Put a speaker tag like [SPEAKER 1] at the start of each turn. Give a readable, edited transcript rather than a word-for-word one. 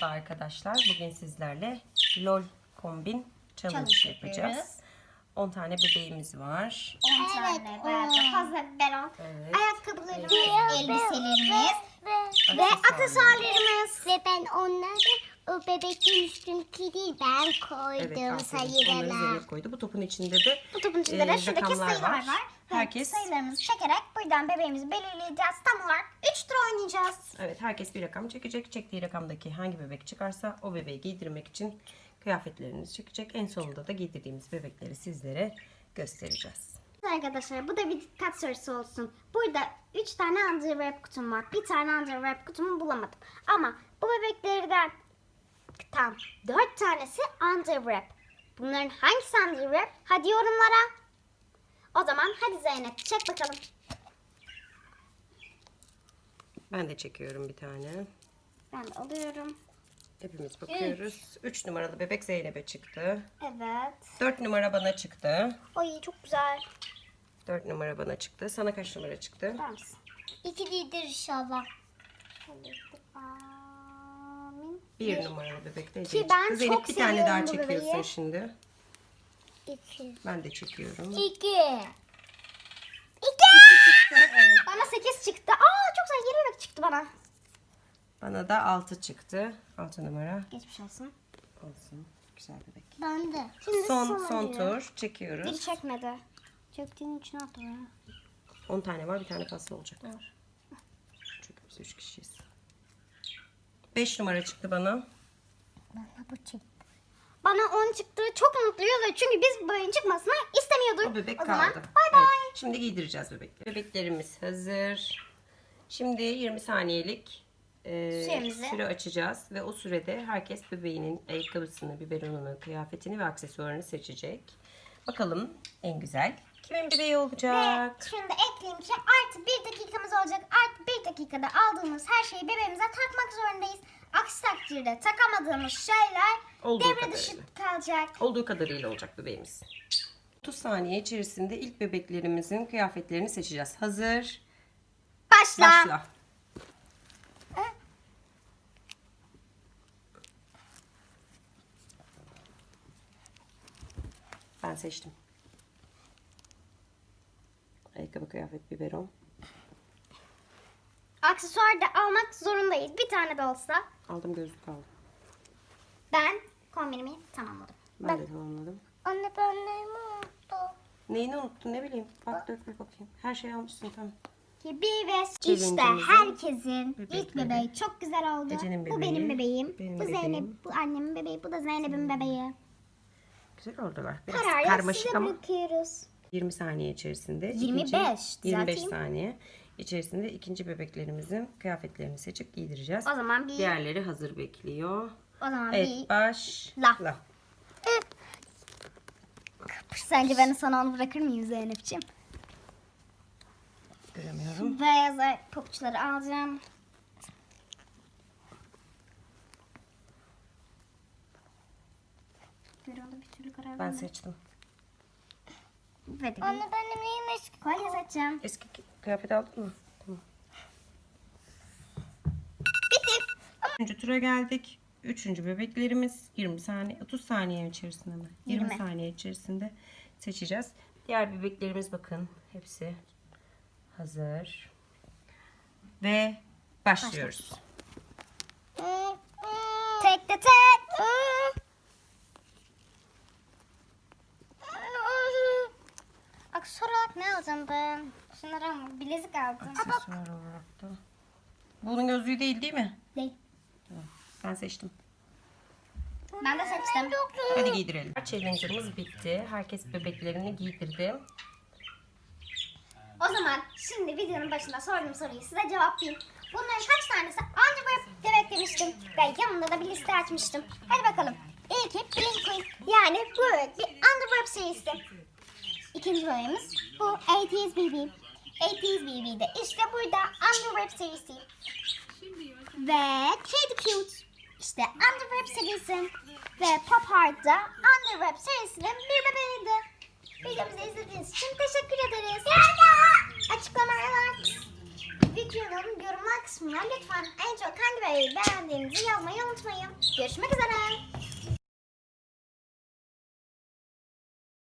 [SPEAKER 1] Merhaba arkadaşlar. Bugün sizlerle LOL kombin challenge yapacağız. 10 tane bebeğimiz var.
[SPEAKER 2] 10 tane böyle fazla biberon.
[SPEAKER 1] Evet.
[SPEAKER 2] Ayakkabılarımız, elbiselerimiz ve aksesuarlarımız.
[SPEAKER 3] Ve ben onları o bebeğin üstündeki değil ben koydum
[SPEAKER 1] Evet, onları
[SPEAKER 3] sayılarına.
[SPEAKER 1] Zeynep koydu. Bu topun içinde de
[SPEAKER 2] Bu topun içinde de şuradaki
[SPEAKER 1] rakamlar
[SPEAKER 2] sayılar
[SPEAKER 1] var.
[SPEAKER 2] var.
[SPEAKER 1] Herkes
[SPEAKER 2] Sayılarımızı çekerek buradan bebeğimizi belirleyeceğiz. Tam olarak 3 tur oynayacağız.
[SPEAKER 1] evet herkes bir rakam çekecek. Çektiği rakamdaki hangi bebek çıkarsa o bebeği giydirmek için kıyafetlerinizi çekecek. En sonunda da giydirdiğimiz bebekleri sizlere göstereceğiz.
[SPEAKER 2] Arkadaşlar bu da bir dikkat sorusu olsun. Burada 3 tane underwear kutum var. Bir tane underwear kutumu bulamadım. Ama bu bebeklerden tam 4 tanesi underwear. Bunların hangisi underwear? Hadi yorumlara. O zaman hadi Zeynep çek bakalım.
[SPEAKER 1] Ben de çekiyorum bir tane.
[SPEAKER 2] Ben de alıyorum.
[SPEAKER 1] Hepimiz bakıyoruz. 3 numaralı bebek Zeynep'e çıktı.
[SPEAKER 2] Evet.
[SPEAKER 1] 4 numara bana çıktı.
[SPEAKER 2] Ay çok güzel.
[SPEAKER 1] 4 numara bana çıktı. Sana kaç numara çıktı?
[SPEAKER 2] Bakar mısın?
[SPEAKER 3] İki değildir inşallah.
[SPEAKER 2] Amin.
[SPEAKER 1] 1 numaralı bebek de
[SPEAKER 2] Ki
[SPEAKER 1] Ece'ye
[SPEAKER 2] ben
[SPEAKER 1] çıktı. Zeynep
[SPEAKER 2] çok
[SPEAKER 1] bir tane daha
[SPEAKER 2] seviyorum bu
[SPEAKER 1] çekiyorsun
[SPEAKER 2] bebeği.
[SPEAKER 1] şimdi.
[SPEAKER 3] İki.
[SPEAKER 1] Ben de çekiyorum.
[SPEAKER 3] İki.
[SPEAKER 2] Bana 8 çıktı. Aa çok güzel yeni bebek çıktı bana.
[SPEAKER 1] Bana da 6 çıktı. 6 numara
[SPEAKER 2] Geçmiş olsun.
[SPEAKER 1] olsun. Güzel bebek.
[SPEAKER 3] Ben de.
[SPEAKER 2] Şimdi
[SPEAKER 1] Son
[SPEAKER 2] diyor.
[SPEAKER 1] tur çekiyoruz.
[SPEAKER 2] Biri çekmedi. Çektiğinin içine attı ya.
[SPEAKER 1] 10 tane var, bir tane fazla olacak. Çünkü biz 3 kişiyiz. 5 numara çıktı bana.
[SPEAKER 3] Bana bu çıktı.
[SPEAKER 2] Bana 10 çıktı. Çok mutluyuz ve çünkü biz bu oyun çıkmasını istemiyorduk.
[SPEAKER 1] O bebek
[SPEAKER 2] zaman
[SPEAKER 1] kaldı.
[SPEAKER 2] bay bay.
[SPEAKER 1] Evet, şimdi giydireceğiz bebekleri. Bebeklerimiz hazır. Şimdi 20 saniyelik
[SPEAKER 2] Süremizi.
[SPEAKER 1] süre açacağız ve o sürede herkes bebeğinin ayakkabısını, biberonunu, kıyafetini ve aksesuarını seçecek. Bakalım en güzel kimin bebeği olacak?
[SPEAKER 2] Ve şunu da ekleyeyim ki artı 1 dakikamız olacak. Artı 1 dakikada aldığımız her şeyi bebeğimize takmak zorundayız. Aksi takdirde takamadığımız şeyler
[SPEAKER 1] Olduğu
[SPEAKER 2] devre dışı
[SPEAKER 1] kadarıyla.
[SPEAKER 2] kalacak.
[SPEAKER 1] Olduğu kadarıyla olacak bebeğimiz. 30 saniye içerisinde ilk bebeklerimizin kıyafetlerini seçeceğiz. Hazır.
[SPEAKER 2] Başla.
[SPEAKER 1] Başla. Ben seçtim. Ayakkabı, kıyafet, biberon.
[SPEAKER 2] Aksesuar da almak zorundayız. Bir tane de olsa.
[SPEAKER 1] Aldım, gözlük aldım.
[SPEAKER 2] Ben kombinimi tamamladım.
[SPEAKER 1] Ben de tamamladım.
[SPEAKER 3] Anne ben neyimi unuttum?
[SPEAKER 1] Neyini unuttun, ne bileyim. Bak, dök bir bakayım. Her şeyi almışsın, tamam.
[SPEAKER 2] Bir ve işte
[SPEAKER 1] Challenge'ımızın
[SPEAKER 2] herkesin ilk
[SPEAKER 1] bebekleri.
[SPEAKER 2] bebeği çok güzel oldu.
[SPEAKER 1] Ece'nin
[SPEAKER 2] Bu
[SPEAKER 1] bebeği,
[SPEAKER 2] benim bebeğim.
[SPEAKER 1] benim
[SPEAKER 2] Bu Zeynep,
[SPEAKER 1] bebeğim.
[SPEAKER 2] bu annemin bebeği, bu da Zeynep'in bebeği.
[SPEAKER 1] Güzel oldular. Biraz
[SPEAKER 2] Kararı
[SPEAKER 1] karmaşık
[SPEAKER 2] size
[SPEAKER 1] ama
[SPEAKER 2] bırakıyoruz.
[SPEAKER 1] 20 saniye içerisinde.
[SPEAKER 2] 25,
[SPEAKER 1] 25
[SPEAKER 2] düzelteyim.
[SPEAKER 1] saniye içerisinde ikinci bebeklerimizin kıyafetlerini seçip giydireceğiz.
[SPEAKER 2] O zaman bir,
[SPEAKER 1] Diğerleri hazır bekliyor.
[SPEAKER 2] o zaman
[SPEAKER 1] Evet,
[SPEAKER 2] bir.
[SPEAKER 1] başla.
[SPEAKER 2] Sence beni sana onu bırakır mıyım Zeynep'ciğim?
[SPEAKER 1] Göremiyorum.
[SPEAKER 2] Beyaz pabuçları alacağım. Görüyordu bir türlü karar
[SPEAKER 1] Ben
[SPEAKER 2] vermedim.
[SPEAKER 1] seçtim.
[SPEAKER 2] Hadi bir
[SPEAKER 3] Anne benim neyim eski?
[SPEAKER 2] kolye seçeceğim.
[SPEAKER 1] Eski kıyafet aldın mı? Tamam.
[SPEAKER 2] Bitti.
[SPEAKER 1] Üçüncü tura geldik. Üçüncü bebeklerimiz 20 saniye, 30 saniye içerisinde mi? 20
[SPEAKER 2] 20.
[SPEAKER 1] saniye içerisinde seçeceğiz. Diğer bebeklerimiz bakın hepsi hazır. Ve başlıyoruz.
[SPEAKER 2] Tek de tek. Aksesuar olarak ne alacağım ben? Şunları ama bilezik aldım.
[SPEAKER 1] Aksesuar olarak da. Bunun gözlüğü değil mi?
[SPEAKER 2] Değil.
[SPEAKER 1] Ben seçtim.
[SPEAKER 2] Ben de seçtim.
[SPEAKER 1] Hadi giydirelim. Challenge'ımız bitti. Herkes bebeklerini giydirdi.
[SPEAKER 2] O zaman şimdi videonun başında sorduğum soruyu size cevaplayayım. Bunların kaç tanesi underwear demek demiştim ve yanında da bir liste açmıştım. Hadi bakalım. İlki Blink Queen, yani bu bebek bir underwear serisi. İkinci bölümümüz bu 80's BB. 80's BB'de işte burada underwear serisi. Ve Kid Cute işte underwear serisi. Ve Pop Heart'da underwear serisinin bir bebeğiydi. Videomuzu izlediğiniz için teşekkür ederiz. Açıklamalar videonun yorumlar kısmına lütfen en çok hangi bebeği beğendiğinizi yazmayı unutmayın. Görüşmek üzere.